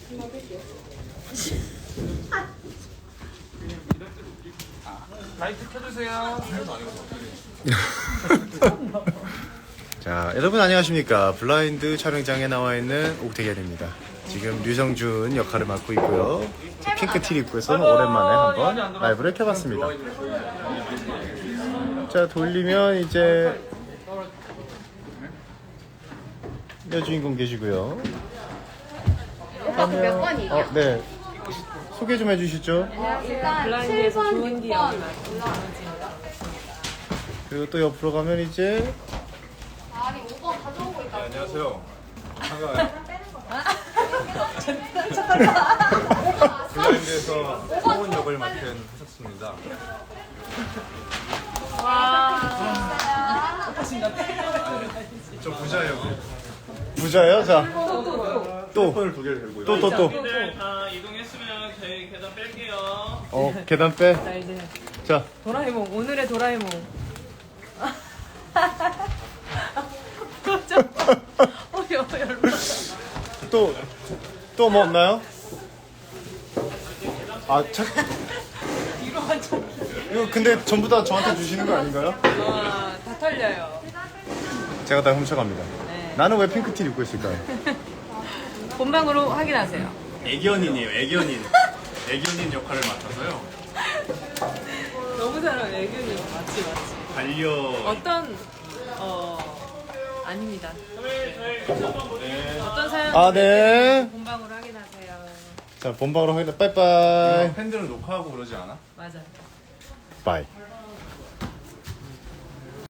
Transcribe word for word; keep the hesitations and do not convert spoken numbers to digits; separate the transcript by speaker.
Speaker 1: 라이트 켜주세요.
Speaker 2: 자, 여러분 안녕하십니까. 블라인드 촬영장에 나와 있는 옥택연입니다. 지금 류성준 역할을 맡고 있고요. 핑크 티를 입고 해서 오랜만에 한번 라이브를 켜봤습니다. 자, 돌리면 이제 여주인공 계시고요.
Speaker 3: 몇 번이에요?
Speaker 2: 어, 네. 소개 좀 해주시죠.
Speaker 3: 일단 칠 번, 육 번.
Speaker 2: 그리고 또 옆으로 가면 이제
Speaker 3: 아니 오 번 가져오고 있다.
Speaker 1: 안녕하세요. 블라인드에서 성원 역을 맡은 하셨습니다. 저 부자예요.
Speaker 2: 부자예요. 자, 또,
Speaker 1: 폰을 두 개를 들고요.
Speaker 2: 또, 또, 또.
Speaker 4: 네, 다 이동했으면 저희 계단 뺄게요.
Speaker 2: 어, 계단 빼.
Speaker 5: 자 이제
Speaker 2: 자,
Speaker 5: 도라에몽 오늘의 도라에몽 어 열받아
Speaker 2: 또, 또 뭐 없나요? 아, 참.
Speaker 5: 이거 완전
Speaker 2: 이거 근데 전부 다 저한테 주시는 거 아닌가요?
Speaker 5: 와다 털려요.
Speaker 2: 제가 다 훔쳐갑니다.
Speaker 5: 네.
Speaker 2: 나는 왜 핑크티 입고 있을까요?
Speaker 5: 본방으로 확인하세요.
Speaker 1: 애견인이에요. 애견인. 애견인 역할을 맡아서요.
Speaker 5: 너무 잘하네 애교님. 맞지 맞지.
Speaker 1: 반려.
Speaker 5: 어떤 어 아닙니다. 어떤 사연?
Speaker 2: 아, 네.
Speaker 5: 본방으로 확인하세요.
Speaker 2: 자, 본방으로 확인해. 빠이빠이.
Speaker 1: 팬들은 녹화하고 그러지 않아?
Speaker 5: 맞아.
Speaker 2: 바이.